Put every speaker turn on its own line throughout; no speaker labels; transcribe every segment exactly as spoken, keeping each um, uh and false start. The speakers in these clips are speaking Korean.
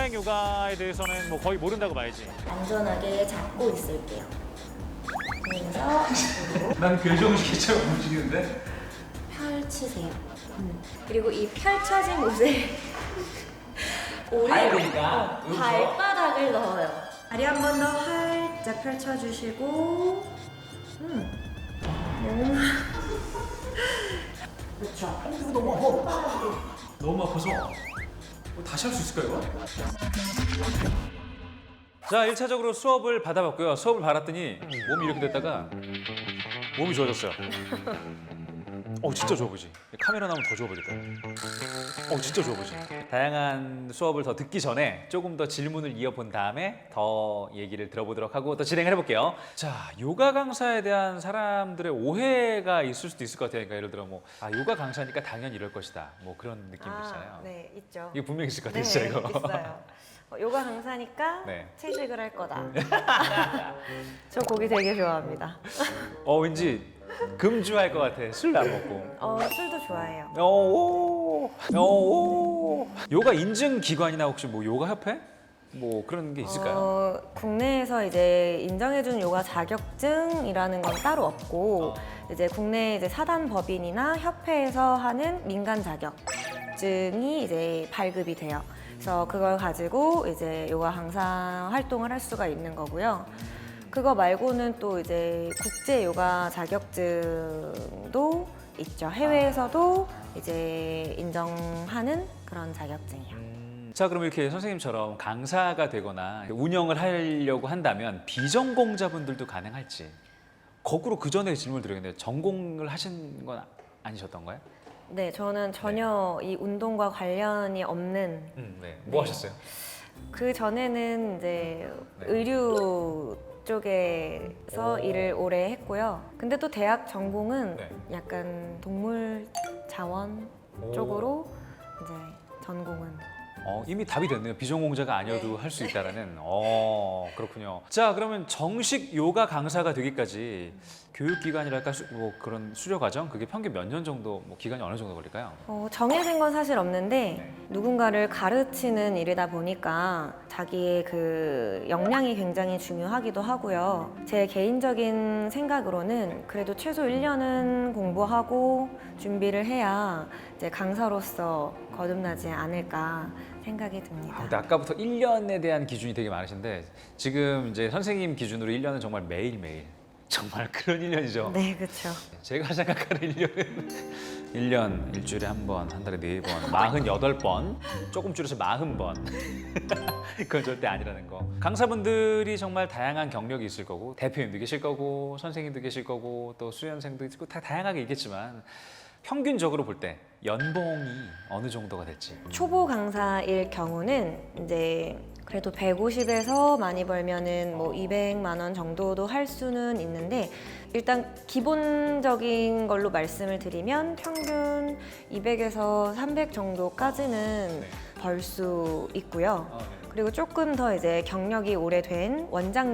수행 요가에 대해서는 뭐 거의 모른다고 봐야지.
안전하게 잡고 있을게요. 그래서
난 괴정시키처럼 움직이는데?
펼치세요. 음. 그리고 이 펼쳐진 옷에 오리
발이니까
어, 발바닥을 넣어요. 다리 한 번 더 활짝 펼쳐주시고, 음, 몸. 그렇죠.
너무 아파. 너무 아파서 뭐 다시 할 수 있을까요, 이거?
자, 일 차적으로 수업을 받아봤고요. 수업을 받았더니 몸이 이렇게 됐다가 몸이 좋아졌어요. 어, 진짜 좋아 보이지? 카메라 나오면 더 좋아 보이겠다. 어, 진짜 좋아 보이지? 다양한 수업을 더 듣기 전에 조금 더 질문을 이어본 다음에 더 얘기를 들어보도록 하고 또 진행을 해볼게요. 자, 요가 강사에 대한 사람들의 오해가 있을 수도 있을 것 같아요. 그러니까 예를 들어 뭐, 아, 요가 강사니까 당연히 이럴 것이다. 뭐 그런 느낌 있잖아요.
네, 있죠.
이거 분명히 있을 것
네,
같아요, 진짜 이거.
있어요. 어, 요가 강사니까
네.
채식을 할 거다. 저 고기 되게 좋아합니다.
어, 왠지 금주할 것 같아. 술 안 먹고.
어, 술도 좋아해요.
오, 오, 요가 인증 기관이나 혹시 뭐 요가 협회? 뭐 그런 게 있을까요?
어, 국내에서 이제 인정해준 요가 자격증이라는 건 따로 없고, 이제 국내 이제 사단 법인이나 협회에서 하는 민간 자격증이 이제 발급이 돼요. 그래서 그걸 가지고 이제 요가 강사 활동을 할 수가 있는 거고요. 그거 말고는 또 이제 국제 요가 자격증도 있죠. 해외에서도 이제 인정하는 그런 자격증이요.
음, 자, 그럼 이렇게 선생님처럼 강사가 되거나 운영을 하려고 한다면 비전공자분들도 가능할지. 거꾸로 그 전에 질문을 드리겠는데 전공을 하신 건 아니셨던가요?
네, 저는 전혀 이 운동과 관련이 없는,
음, 네. 뭐
네.
하셨어요?
그 전에는 이제
네.
의류 쪽에서 일을 오래 했고요. 근데 또 대학 전공은
네.
약간 동물 자원
오.
쪽으로 이제 전공은.
어, 이미 답이 됐네요. 비전공자가 아니어도 할 수 있다라는. 어, 그렇군요. 자, 그러면 정식 요가 강사가 되기까지 교육기간이랄까 수, 뭐 그런 수료 과정 그게 평균 몇 년 정도 뭐 기간이 어느 정도 걸릴까요?
어, 정해진 건 사실 없는데
네.
누군가를 가르치는 일이다 보니까 자기의 그 역량이 굉장히 중요하기도 하고요. 제 개인적인 생각으로는 그래도 최소 일 년은 공부하고 준비를 해야 이제 강사로서 거듭나지 않을까 생각이 듭니다.
아, 근데 아까부터 일 년에 대한 기준이 되게 많으신데 지금 이제 선생님 기준으로 일 년은 정말 매일매일 정말 그런 일 년이죠.
네, 그렇죠.
제가 생각하는 일 년은 일 년 일주일에 한 번, 한 달에 네 번, 마흔여덟 번, 조금 줄여서 마흔 번. 그건 절대 아니라는 거. 강사분들이 정말 다양한 경력이 있을 거고 대표님도 계실 거고 선생님도 계실 거고 또 수련생도 있고 다 다양하게 있겠지만 평균적으로 볼 때 연봉이 어느 정도가 될지.
초보 강사일 경우는 이제 그래도 백오십에서 많이 벌면은 뭐 이백만 원 정도도 할 수는 있는데 일단 기본적인 걸로 말씀을 드리면 평균 이백에서 삼백 정도까지는
네.
벌 수 있고요.
어, 네.
그리고 조금 더 이제 경력이 오래된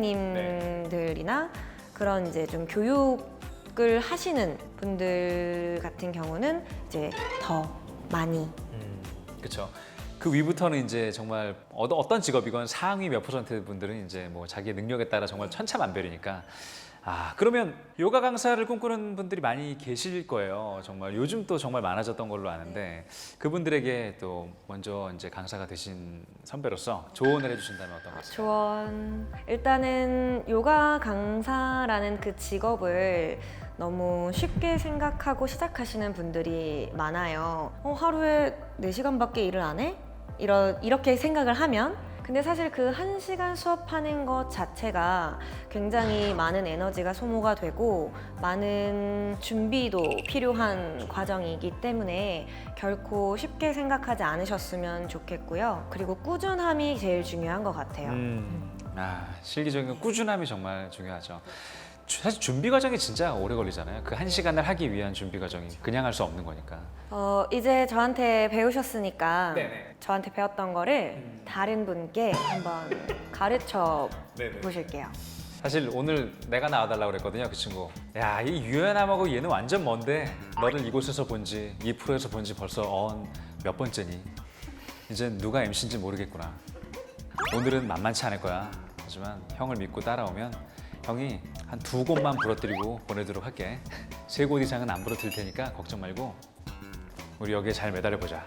원장님들이나 그런 이제 좀 교육을 하시는 분들 같은 경우는 이제 더 많이.
음, 그렇죠. 그 위부터는 이제 정말 어, 어떤 직업이건 상위 몇 퍼센트 분들은 이제 뭐 자기의 능력에 따라 정말 천차만별이니까. 아, 그러면 요가 강사를 꿈꾸는 분들이 많이 계실 거예요. 정말 요즘 또 정말 많아졌던 걸로 아는데 그분들에게 또 먼저 이제 강사가 되신 선배로서 조언을 해주신다면 어떤 것 같아요?
조언. 일단은 요가 강사라는 그 직업을 너무 쉽게 생각하고 시작하시는 분들이 많아요. 어, 하루에 네 시간밖에 일을 안 해? 이러, 이렇게 생각을 하면 근데 사실 그 한 시간 수업하는 것 자체가 굉장히 많은 에너지가 소모가 되고 많은 준비도 필요한 과정이기 때문에 결코 쉽게 생각하지 않으셨으면 좋겠고요. 그리고 꾸준함이 제일 중요한 것 같아요.
음, 아, 실기적인 꾸준함이 정말 중요하죠. 주- 사실 준비 과정이 진짜 오래 걸리잖아요. 그 한 시간을 하기 위한 준비 과정이 그냥 할 수 없는 거니까.
어, 이제 저한테 배우셨으니까
네네.
저한테 배웠던 거를 다른 분께 한번 가르쳐
네네.
보실게요.
사실 오늘 내가 나와달라고 그랬거든요, 그 친구. 야, 이 유연함하고 얘는 완전 먼데 너를 이곳에서 본지 이 프로에서 본지 벌써 언 몇 번째니? 이제 누가 엠씨인지 모르겠구나. 오늘은 만만치 않을 거야. 하지만 형을 믿고 따라오면 형이 한 두 곳만 부러뜨리고 보내도록 할게. 세 곳 이상은 안 부러뜨릴 테니까 걱정 말고 우리 여기에 잘 매달려 보자.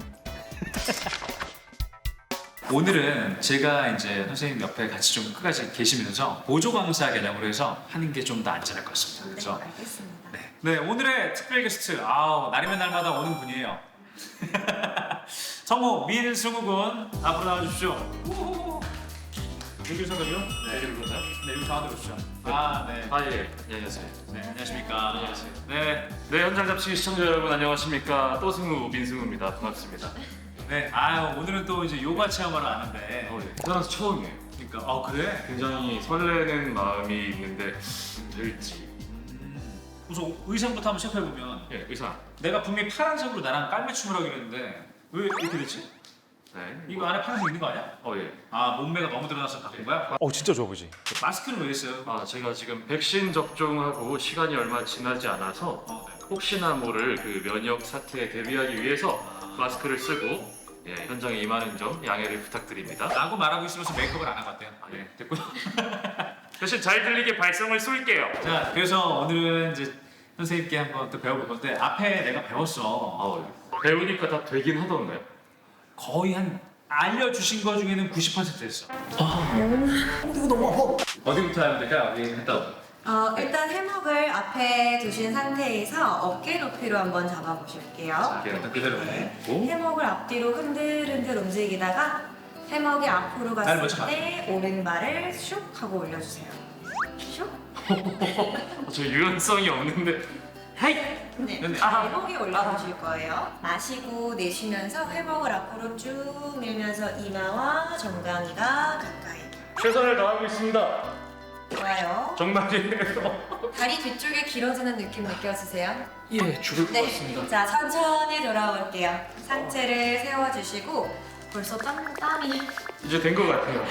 오늘은 제가 이제 선생님 옆에 같이 좀 끝까지 계시면서 보조 강사 개념으로 해서 하는 게 좀 더 안전할 것 같습니다. 그렇죠?
네, 알겠습니다.
네. 네, 오늘의 특별 게스트. 아우, 날이면 날마다 오는 분이에요. 성우 민승우 군 앞으로 나와주십시오. 여기 서가지고. 네, 여기 보세요. 네, 여기 가운데 보시죠. 아, 네.
아 예, 안녕하세요.
네, 안녕하십니까.
안녕하세요.
네,
네, 현장 잡지 시청자 여러분 안녕하십니까? 또승우 민승우입니다. 반갑습니다.
네. 아유, 오늘은 또 이제 요가 체험하러 왔는데.
어, 예. 태어나서 처음이에요.
그러니까, 어 그래?
굉장히 설레는 마음이 있는데 될지.
음, 우선 의상부터 한번 체크해 보면
예, 의상.
내가 분명히 파란색으로 나랑 깔매춤을 하기로 했는데 왜 이렇게 됐지?
네.
이거 안에 파란색 있는 거 아니야?
어 예.
아, 몸매가 너무 드러나서 바꾼 거야? 어, 진짜 좋아 보이지. 마스크는 왜 했어요?
아 제가 지금 백신 접종하고 시간이 얼마 지나지 않아서
어, 네.
혹시나 모를 그 면역 사태에 대비하기 위해서 마스크를 쓰고 예, 현장에 임하는 점 양해를 부탁드립니다.
라고 말하고 있으면서 메이크업을 안 하고 왔대요.
아, 예.
됐고요.
대신 잘 들리게 발성을 쏠게요.
자, 그래서 오늘은 이제 선생님께 한번 또 배워볼 건데 앞에 내가 배웠어.
어, 배우니까 다 되긴 하던가요?
거의 한 알려주신 거 중에는 구십 퍼센트 됐어. 어디부터 하면 될까? 어디 갔다 오.
어, 일단 해먹을 앞에 두신 상태에서 어깨 높이로 한번 잡아보실게요.
일단 그대로 해.
해먹을 앞뒤로 흔들흔들 움직이다가 해먹이 앞으로
날 먼저
갔을 때 오른발을 슉 하고 올려주세요. 슉.
어, 저 유연성이 없는데. 헤이!
네.
네.
해먹이 올라오실 거예요. 마시고 내쉬면서 해먹을 앞으로 쭉 밀면서 이마와 정강이가 가까이.
최선을 다하고 있습니다.
좋아요.
정말이에요.
다리 뒤쪽에 길어지는 느낌 느껴지세요?
예, 죽을 것
네.
같습니다.
자, 천천히 돌아올게요. 상체를 세워주시고 벌써 땀, 땀이.
이제 된 것 같아요.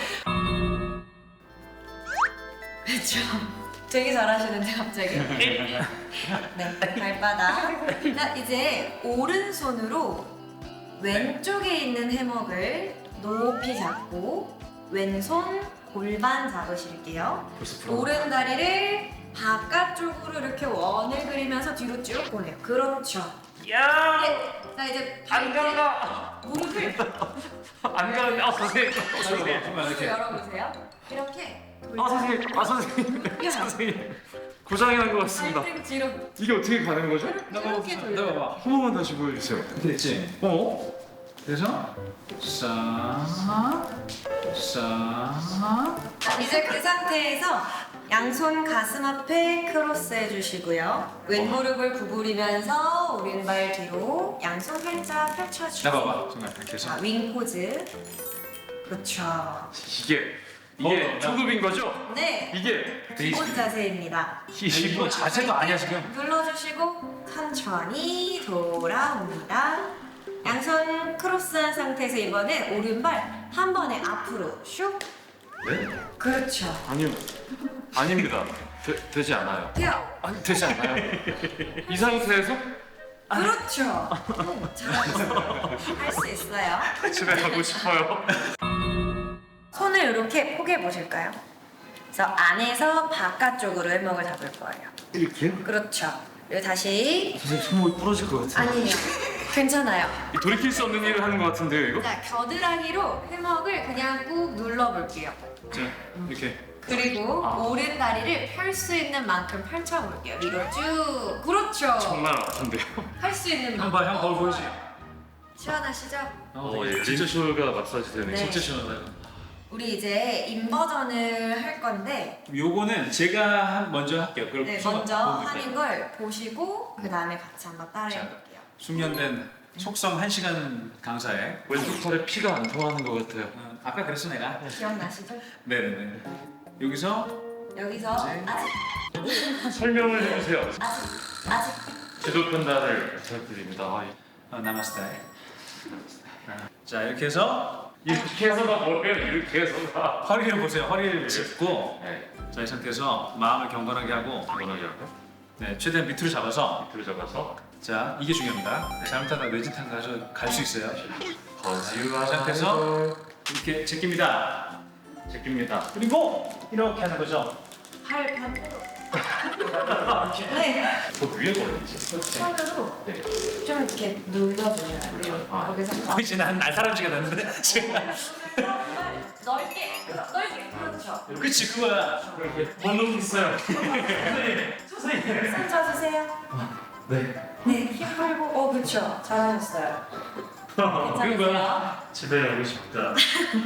그렇죠. 되게 잘하시는데 갑자기. 네, 발바닥. 자, 이제 오른손으로 왼쪽에 있는 해먹을 높이 잡고 왼손 골반 잡으실게요.
벌써 불안.
오른 다리를 바깥쪽으로 이렇게 원을 그리면서 뒤로 쭉 보내요. 그렇죠.
야!
네. 자, 이제
안 간다!
무릎을
안 가는데, 아, 선생님.
그러면
무릎을
이렇게.
열어보세요. 이렇게
아, 선생님. 아, 선생님.
돌려.
선생님. 고장이 난 것 같습니다.
발등 뒤로
이게 어떻게 가는 거죠?
이렇게 돌려.
나봐봐.
한 번만 다시 보여주세요.
됐지?
어?
그래서 싹, 싹.
이제 그 상태에서 양손 가슴 앞에 크로스 해주시고요. 왼무릎을 구부리면서 오른발 뒤로 양손 활짝 펼쳐주세요.
나봐봐. 정말 이렇게 해서.
자, 윙 포즈. 그렇죠.
이게, 이게
어,
초급인 거죠?
네,
이게
기본 자세입니다.
이거 자세도 아니야 지금.
눌러주시고 천천히 돌아옵니다. 양손 크로스한 상태에서 이번엔 오른발 한 번에 앞으로 슉.
네?
그렇죠.
아니요. 아닙니다. 되, 되지 않아요.
돼요.
아니, 되지 않아요. 이 상태에서
그렇죠. 잘하셨어요. 할 수 있어요.
집에 가고 싶어요.
손을 이렇게 포개 보실까요? 그래서 안에서 바깥쪽으로 해먹을 잡을 거예요.
이렇게요?
그렇죠. 그리고 다시
선생님 손목이 부러질 것 같아요.
아니에요. 괜찮아요.
이 돌이킬 수 없는 일을 하는 것 같은데요, 이거?
자, 겨드랑이로 해먹을 그냥 꾹 눌러볼게요.
자, 이렇게.
그리고
아.
오른 다리를 펼 수 있는 만큼 펼쳐볼게요. 위로 쭉. 그렇죠.
정말 아픈데요?
할 수 있는
형
만큼.
봐, 형 거울 보이지?
시원하시죠?
어, 예. 진짜 마사지 되네.
네.
진짜 시원하다.
우리 이제 인버전을 할 건데
요거는 제가 한- 먼저 할게요. 그럼
네,
수업
먼저
보고
하는
있어요.
걸 보시고 그 다음에 같이 한번 따라해볼게요.
숙련된 속성 한 시간 강사에.
왼쪽 팔에 피가 안 통하는 것 같아요.
어, 아까 그랬어 내가.
기억나시죠?
네네네. 여기서
여기서
네.
아직
설명을 해주세요.
아직 아직
지도 편단을 부탁드립니다. 아,
어, 나마스테. 자, 이렇게 해서
이렇게 해서가 뭐예요? 이렇게 해서가.
허리를 보세요. 허리를 짚고
네.
자, 이 상태에서 마음을 경건하게 하고
이거는 이렇게
네, 최대한 밑으로 잡아서
밑으로 잡아서
자, 이게 중요합니다. 잘못하다 뇌진탕 가서 갈 수 있어요.
거지와
이 상태에서 이렇게 제낍니다.
제낍니다.
그리고 이렇게 하는 거죠.
팔 반대로. 네.
저 위에 걸리지.
손으로
네.
좀 이렇게 눌러줘요. 그리고
아.
거기서
이제 난 날사람쥐가 됐는데 지금.
넓게, 넓게. 그렇죠.
그치 그거야.
번호 있어요.
선생님.
손 쳐주세요.
네.
네, 힘 풀고. 어, 그렇죠. 잘하셨어요.
그런
괜찮으세요?
거야.
집에 가고 싶다.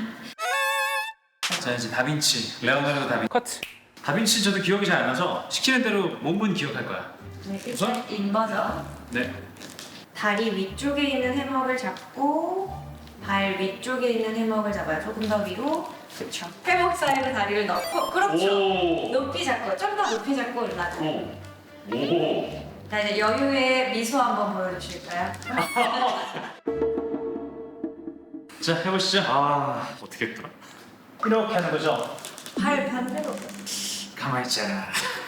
자 이제 다빈치, 레오나르도 다빈치. 커트. 다빈치 저도 기억이 잘 안 나서 시키는 대로 몸은 기억할 거야.
네, 일단 인버전.
네.
다리 위쪽에 있는 해먹을 잡고 발 위쪽에 있는 해먹을 잡아요. 조금 더 위로. 그렇죠. 해먹 사이로 다리를 넣고. 그렇죠.
오.
높이 잡고 좀 더 높이 잡고 올라가.
오. 오.
자 이제 여유의 미소 한번 보여주실까요?
자 해보시죠.
아 어떻게 했더라?
이렇게 하는 거죠.
발 반대로.
가만히 있자.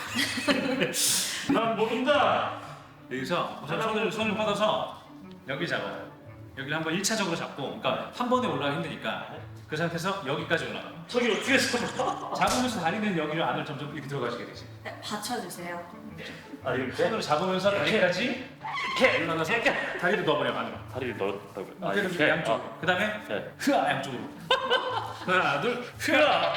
난 모른다.
여기서 우선 손을 손을 뻗어서 여기 잡아요. 여기를 한번 일 차적으로 잡고, 그러니까 한 번에 올라가 힘드니까 그 상태에서 여기까지 올라가.
저기 어떻게 했어?
잡으면서 다리는 여기로 안을 점점 이렇게 들어가시게 되지.
네, 받쳐주세요.
아 이렇게?
손으로 잡으면서 다리까지 이렇게 올라가서 다리를 넣어버려 안으로.
다리를 넣었다고요? 아
그래서
이렇게?
양쪽.
아,
그다음에
네.
흐아 양쪽으로. 하나 둘 흐아.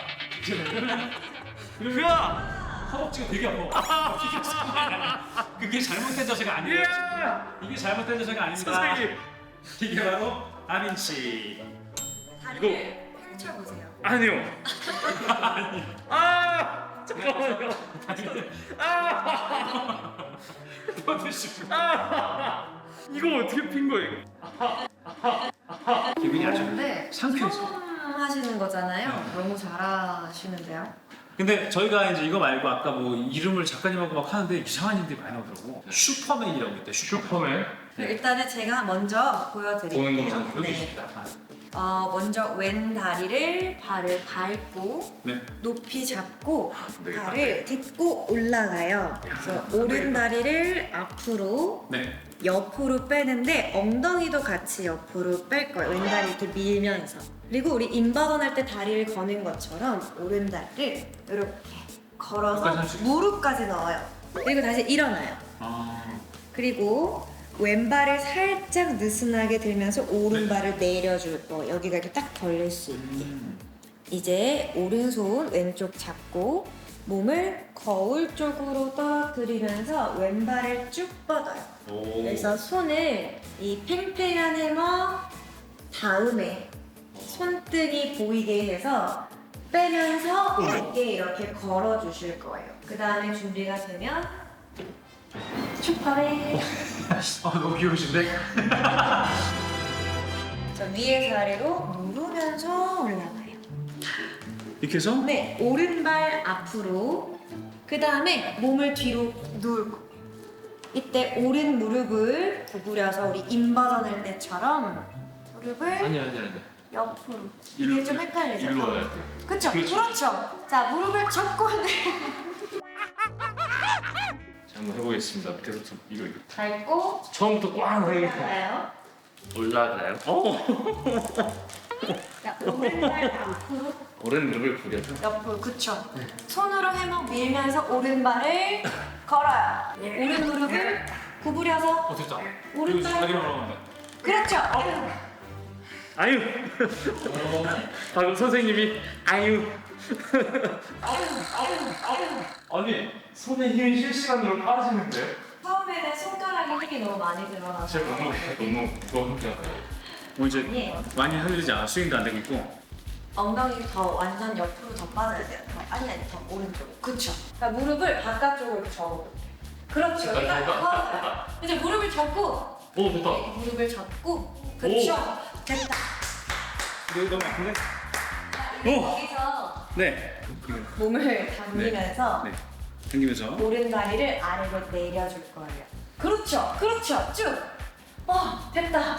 흐아. 허벅지가 되게 아파. 그게 잘못된 자세가 아니에요. 이게 잘못된 자세가 아닙니다.
선생님.
이게 바로 다빈치.
다리를 펼쳐보세요.
아니요. 아 잠깐만요. 이거 어떻게 핀 거예요?
기분이 아주
근데
상쾌해서.
처음 하시는 거잖아요. 너무 잘하시는데요.
근데 저희가 이제 이거 말고 아까 뭐 이름을 작가님하고 막 하는데 이상한 이름들이 많이 나오더라고. 슈퍼맨이라고 있대. 슈퍼맨.
슈퍼맨.
그럼 일단은 제가 먼저 보여드릴게요.
보는 거죠.
여기
네.
있습니다. 아,
어, 먼저 왼 다리를 발을 밟고
네.
높이 잡고
네,
발을 딛고 올라가요. 그래서 오른 다리를 앞으로
네.
옆으로 빼는데 엉덩이도 같이 옆으로 뺄 거예요. 왼 다리 이렇게 밀면서. 그리고 우리 인바던 할 때 다리를 거는 것처럼 오른 다리를 이렇게 걸어서
여기까지 할수 있어요?
무릎까지 넣어요. 그리고 다시 일어나요.
아.
그리고 왼발을 살짝 느슨하게 들면서 오른발을 내려줄 거. 여기가 이렇게 딱 걸릴 수 있게.
음.
이제 오른손 왼쪽 잡고 몸을 거울 쪽으로 떨어뜨리면서 왼발을 쭉 뻗어요.
오.
그래서 손을 이 팽팽한 해머 다음에 손등이 보이게 해서 빼면서 어깨 이렇게 걸어주실 거예요. 그 다음에 준비가 되면 슈퍼맨.
아 너무 귀여우신데?
저 위에서 아래로 누르면서 올라가요.
이렇게 해서?
네, 오른발 앞으로. 그 다음에 몸을 뒤로 누울고. 이때 오른 무릎을 구부려서 우리 인버전 할 때처럼 무릎을
아니 아니 아니.
옆으로.
일로,
이게 좀 헷갈리죠?
일로 와야 돼.
그쵸?
그렇죠.
그렇죠. 자, 무릎을 접고 네.
자 한번 해보겠습니다. 밑에서부터 이거 이거.
밟고
처음부터 꽝 하게
올라가요.
올라가요. 어.
자, 오른발 앞으로
오른 무릎을 구겨서.
옆으로. 그쵸? 손으로 해먹 밀면서 오른발을 걸어요. 오른 무릎을 구부려서
어 됐다.
오른발.
이거 자기만 올라간다.
그렇죠.
아유. 방금 선생님이 아유. 아니 손에 힘이 실시간으로 빠지는데?
처음에는 손가락에 힘이 너무 많이 들어가서
제가 너무 너무 너무 그냥.
뭐 이제
아니에요.
많이 흔들리지 않아. 스윙도 안 되고 있고.
엉덩이 더 완전 옆으로 더 빠져야 돼요. 더 아니 아니 더 오른쪽. 그렇죠. 그러니까 무릎을 바깥쪽으로 접어. 그렇죠. 그러니까 이제 무릎을 접고
오 좋다.
네, 무릎을 접고 그렇죠. 됐다.
이거 너무 아픈데?
이제
오!
거기서
네.
몸을 당기면서
네. 당기면서.
오른 다리를 아래로 내려줄 거예요. 그렇죠. 그렇죠. 쭉. 어, 됐다.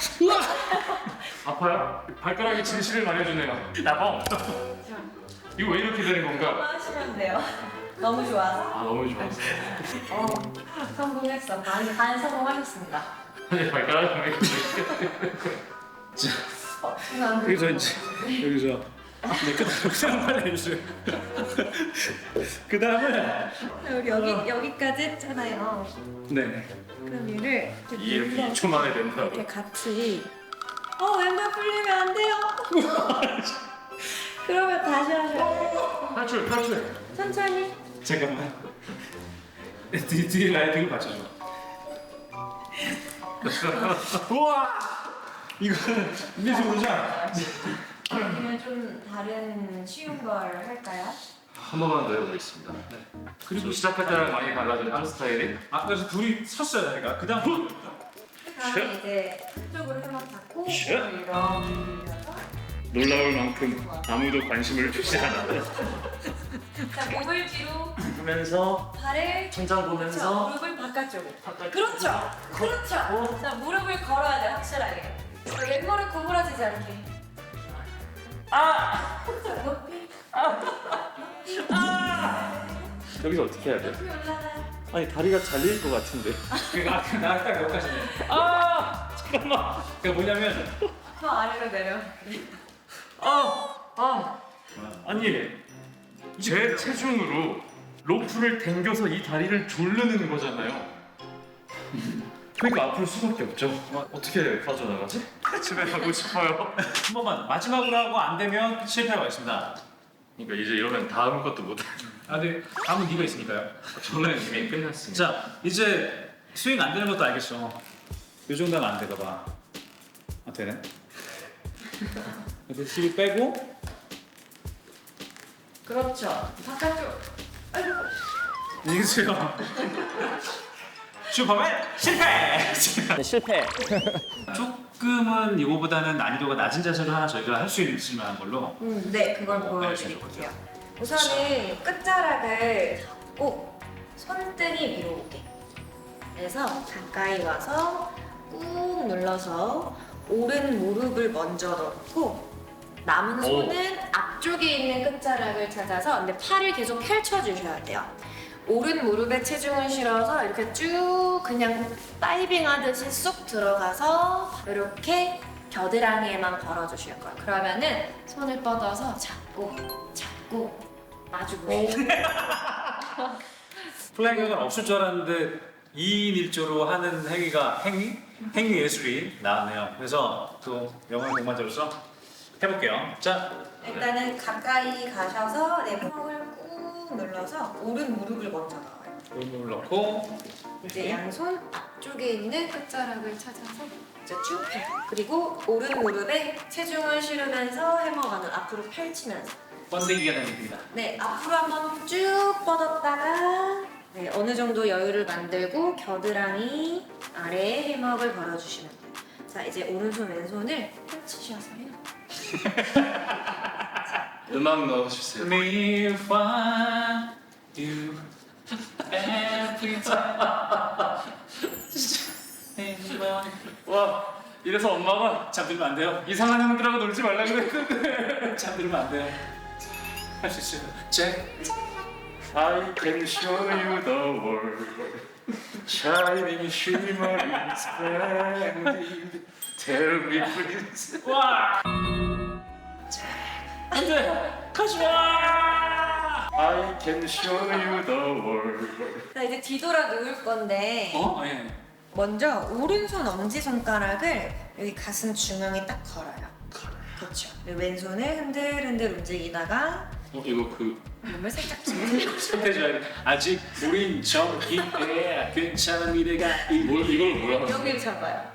아파요? 발가락이 진실을 말해주네요. 나봐. 이거 왜 이렇게 되는 건가?
하시면 돼요. 너무 좋아서.
아 너무 좋았어.
어, 성공했어. 반, 반 성공하셨습니다.
아니 발가락이 왜 이렇게
자,
어, 죄송합니다.
여기서 이제 여기서 네, 그 다음 빨리 해주세요. 그 다음은
우리 여기 여기까지 했잖아요.
네.
그럼 얘를 이렇게
이렇게
눌러서
이 초 만에 된다고.
이렇게 같이. 어 왼발 풀리면 안 돼요. 그러면 다시 하셔요.
탈출 탈출.
천천히.
잠깐만. 뒤 뒤에 라이딩을 받쳐줘. 우와. 이거는 민수 도전.
아니면 좀 다른 쉬운 걸 할까요?
한 번만 더 해보겠습니다. 그리고 시작할 때랑 많이 달라진 한 스타일이
아 그래서 둘이 섰어요, 내가. 그 다음.
그다음에 이제 한쪽으로 해만 잡고
슛.
이렇게 밀어서
놀라울 만큼 아무도 관심을 주지 않아.
자 목을 뒤로
보면서
발을
천장
그렇죠.
보면서
무릎을 바깥쪽으로 그렇죠 그렇죠 자 무릎을 걸어야 돼 확실하게 자, 왼무릎 구부러지지 않게 아 자, 높이
여기서 어떻게 해야 돼?
높이 올라가요
아니 다리가 잘릴 것 같은데.
그러니까 나딱 여기까지네. 아 잠깐만. 그러니까 뭐냐면
더 아래로 내려
아, 아, 아니 제 체중으로 로프를 당겨서 이 다리를 조르는 거잖아요. 그러니까 아플 수밖에 없죠. 아, 어떻게 빠져나가지? 집에 가고 싶어요.
한 번만 마지막으로 하고 안 되면 실패가 있습니다.
그러니까 이제 이러면 다음 것도 못 해.
아 근데 다음은 네가 있으니까요.
저는 이미 끝났습니다.
자 이제 스윙 안 되는 것도 알겠어. 요 정도 하면 안 되가 봐. 아 되네. 그래서 힘을 빼고
그렇죠 바깥쪽 아이고
이기세요. 슈퍼맨 실패.
실패.
조금은 이거보다는 난이도가 낮은 자세로 하나 저희가 할 수 있을 만한 걸로.
음, 네 그걸
네,
보여드릴게요 우선은 끝자락을 잡고 손등이 위로 오게 그래서 가까이 와서 꾹 눌러서 오른 무릎을 먼저 넣고 남은 손은 앞쪽에 있는 끝자락을 찾아서 근데 팔을 계속 펼쳐주셔야 돼요. 오른 무릎에 체중을 실어서 이렇게 쭉 그냥 다이빙 하듯이 쑥 들어가서 이렇게 겨드랑이에만 걸어주실 거예요. 그러면은 손을 뻗어서 잡고 잡고 마주 보시고
플라잉격은 없을 줄 알았는데 이인 일조로 하는 행위가 행위? 행위 예술이 나왔네요. 그래서 또 영어 공부자로서 해볼게요. 자,
일단은 가까이 가셔서 내 턱을 꾹 눌러서 오른 무릎을 먼저 넣어요.
오른손을 넣고
이제 양손 앞쪽에 있는 끝자락을 찾아서 이제 쭉 펴요. 그리고 오른 무릎에 체중을 실으면서 해머가는 앞으로 펼치면서
번데기가 됩니다.
네 앞으로 한번 쭉 뻗었다가 네 어느 정도 여유를 만들고 겨드랑이 아래에 해먹을 걸어주시면 돼요. 자 이제 오른손 왼손을 펼치셔서요.
음악 넣어주세요.
Me find you every time.
와 이래서 엄마가
잠들면 안 돼요.
이상한 형들하고 놀지 말라 그랬는데.
잠들면 안 돼요. 할 수 있어요. 제
I can show you the world. Shining, shimmering, splendid. Tell me please.
와. 안돼. 가지 마.
I can show you the world.
자 이제 뒤돌아 누울 건데
어? 예.
먼저 오른손 엄지 손가락을 여기 가슴 중앙에 딱 걸어요. 그렇죠. 그리고 왼손을 흔들흔들 움직이다가
어 이거 그
몸을 살짝 주물러.
손대줘야 돼. 아직 우린 정기에 괜찮은 미래가
뭘 이걸 뭐야?
여기를 잡아요.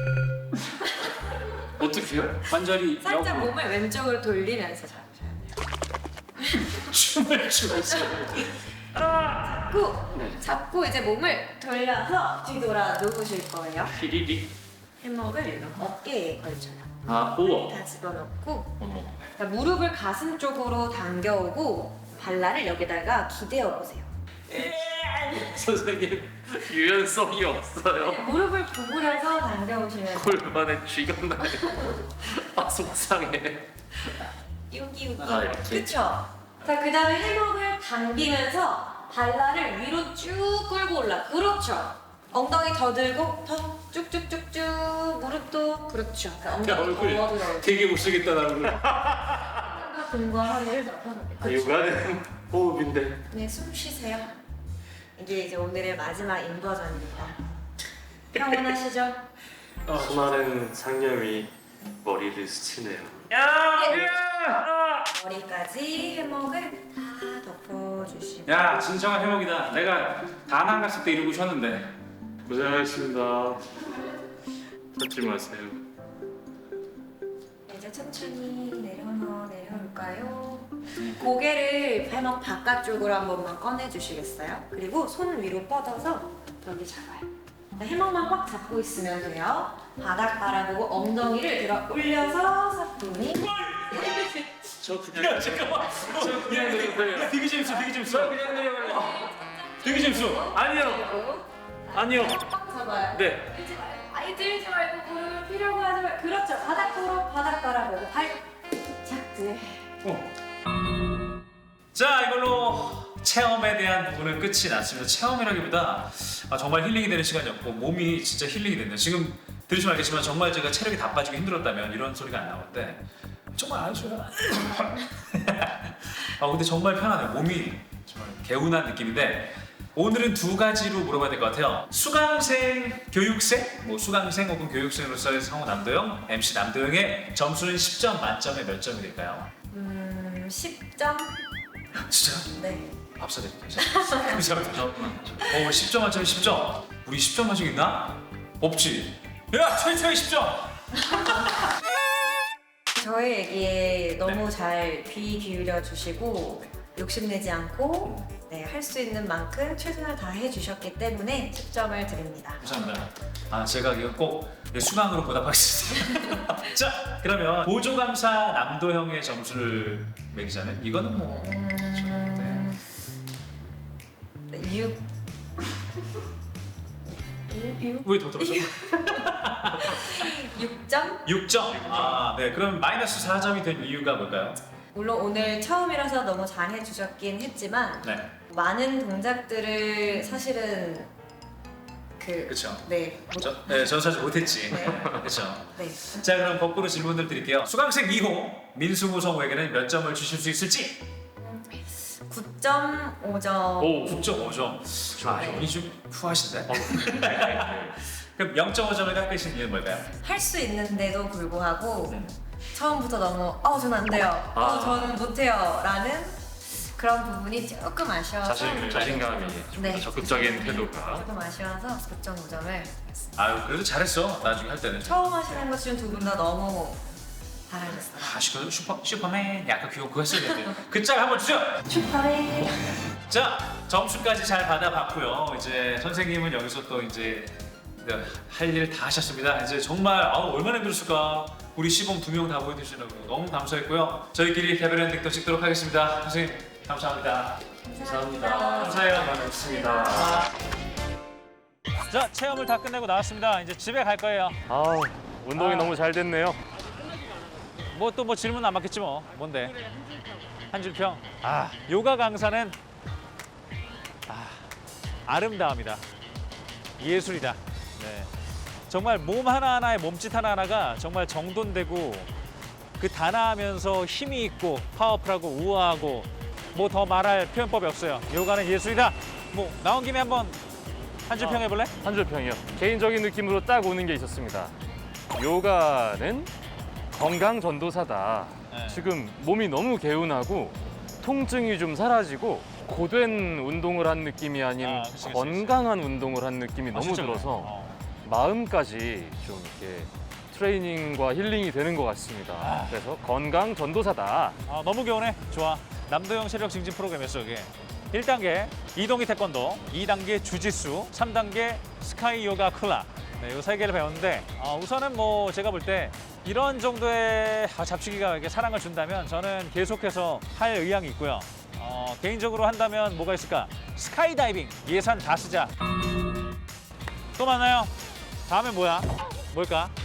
어떻게요?
관절이
살짝
역으로
몸을 왼쪽으로 돌리면서 잡으셔야 돼요.
춤을 추고 있어요.
잡고 잡고 이제 몸을 돌려서 뒤돌아 누우실 거예요.
피리리.
해먹을 어깨에 걸쳐요.
아 우와.
다 집어넣고
어머.
자, 무릎을 가슴 쪽으로 당겨오고 발라를 여기다가 기대어 보세요.
선생님 유연성이 없어요.
무릎을 구부려서 당겨오시면
골반에 쥐가 나요. 아 속상해.
여기 여기
아, 이렇게?
그쵸? 자 그 다음에 해먹을 당기면서 발라를 위로 쭉 끌고 올라 그렇죠 엉덩이 더 들고 더 쭉쭉쭉쭉 무릎도 그렇죠 자, 엉덩이
얼굴이
더 들어
되게 못쓰겠다 나 오늘.
등과 허리를 넓혀놓고.
요가는 호흡인데.
네, 숨 쉬세요. 이게 이제 오늘의 마지막 인버전입니다. 평온하시죠?
수많은 상념이 머리를 스치네요.
머리까지 해먹을 다 덮어주시고.
야, 진정한 해먹이다. 내가 다낭 갔을 때 이러고 쉬었는데.
고생하셨습니다. 찾지 마세요.
이제 천천히 내려놓아 내려올까요? 고개를 해먹 바깥쪽으로 한 번만 꺼내주시겠어요? 그리고 손 위로 뻗어서 여기 잡아요. 해먹만 꽉 잡고 있으면 돼요. 바닥 바라보고 엉덩이를 들어 올려서 사뿐히.
저 그냥
잠깐만.
저 그냥 내려가요.
되게 재밌어, 되게 재밌어.
그냥 내려갈래요.
되게 재밌어.
아니요. 아니요.
꽉 잡아요.
네.
들지 말고. 아예 들지 말고 무릎을 피려고 하지 말고. 그렇죠. 바닥 보러 바닥 바라보고 발짝 들.
자, 이걸로 체험에 대한 부분은 끝이 났습니다. 체험이라기보다 아, 정말 힐링이 되는 시간이었고 몸이 진짜 힐링이 됐네요. 지금 들으시면 알겠지만 정말 제가 체력이 다 빠지고 힘들었다면 이런 소리가 안 나올 때 정말 아주 아 근데 정말 편하네요. 몸이 정말 개운한 느낌인데 오늘은 두 가지로 물어봐야 될 것 같아요. 수강생, 교육생, 뭐 수강생 혹은 교육생으로서의 성우 남도영, 엠씨 남도영의 점수는 십 점 만점에 몇 점이 될까요?
음, 십 점?
진짜?
네.
밥 사드릴게요. 감사합니다. 어, 십 점 만점에 십 점. 우리 십 점 만점 있나? 없지. 야, 최초의 십 점.
저의 얘기에 너무 잘 귀 기울여 주시고 욕심내지 않고 네, 할 수 있는 만큼 최선을 다해 주셨기 때문에 십 점을 드립니다.
감사합니다. 아, 제가 이거 꼭 수강으로 보답하겠습니다. 자, 그러면 보조감사 남도형의 점수를 매기자면 이거는 뭐
음... 육... 육...
왜 더 들었어?
육 점?
육 점. 아, 네. 그럼 마이너스 사 점이 된 이유가 뭘까요?
물론 오늘 처음이라서 너무 잘해 주셨긴 했지만
네.
많은 동작들을 사실은 그...
그렇죠.
네.
저, 네, 저는 사실 못했지.
네.
그렇죠.
네.
자, 그럼 거꾸로 질문을 드릴게요. 수강생 이 호 민승우 성우에게는 몇 점을 주실 수 있을지?
구 점 오 점.
오.
구 점 오 점. 아, 연이 좀 후하신데? 그럼 영 점 오 점을 깎으신 이유는 뭘까요?
할 수 있는데도 불구하고
음.
처음부터 너무 어 저는 안 돼요. 어
아.
저는 못해요. 라는 그런 부분이 조금 아쉬워서
자신 자신감이 좀
네.
적극적인 태도가.
조금 아쉬워서 구 점 오 점을
아유, 그래도 잘했어. 나중에 할 때는.
처음 하시는 것 중 두 분 다 너무 잘하셨어요.
아, 슈퍼, 슈퍼, 슈퍼맨 약간 귀여운 그거 했어야 되는데. 그 짤 한번 주죠!
축하해.
자, 점수까지 잘 받아봤고요. 이제 선생님은 여기서 또 이제 할 일 다 하셨습니다. 이제 정말 아우, 얼마나 힘들었을까. 우리 시범 두 명 다 보여주시라고 너무 감사했고요. 저희끼리 개별 엔딩 또 찍도록 하겠습니다. 선생님, 감사합니다.
감사합니다.
감사해요.
고맙습니다.
자, 체험을 다 끝내고 나왔습니다. 이제 집에 갈 거예요.
아, 운동이
아.
너무 잘 됐네요.
뭐 또 뭐 질문 안 받겠지 뭐. 뭔데? 한 줄 평. 아, 요가 강사는 아, 아름다움이다. 예술이다. 네. 정말 몸 하나하나의 몸짓 하나하나가 정말 정돈되고 그 단아하면서 힘이 있고 파워풀하고 우아하고 뭐 더 말할 표현법이 없어요. 요가는 예술이다. 뭐 나온 김에 한번 한 줄 평 해볼래?
한 줄 평이요. 개인적인 느낌으로 딱 오는 게 있었습니다. 요가는 건강 전도사다.
네.
지금 몸이 너무 개운하고 통증이 좀 사라지고 고된 운동을 한 느낌이 아닌
아, 그치, 그치,
건강한 운동을 한 느낌이
아,
너무
진짜 그래.
들어서
어.
마음까지 좀 이렇게 트레이닝과 힐링이 되는 것 같습니다.
아.
그래서 건강 전도사다.
아, 너무 개운해. 좋아. 남도형 체력 증진 프로그램이었어, 이게. 일 단계 이동이 태권도, 이 단계 주짓수, 삼 단계 스카이 요가 쿨라. 네, 이 세 개를 배웠는데 아, 우선은 뭐 제가 볼 때 이런 정도의 아, 잡치기가 이렇게 사랑을 준다면 저는 계속해서 할 의향이 있고요. 어, 개인적으로 한다면 뭐가 있을까? 스카이 다이빙 예산 다 쓰자. 또 만나요. 다음에 뭐야? 뭘까?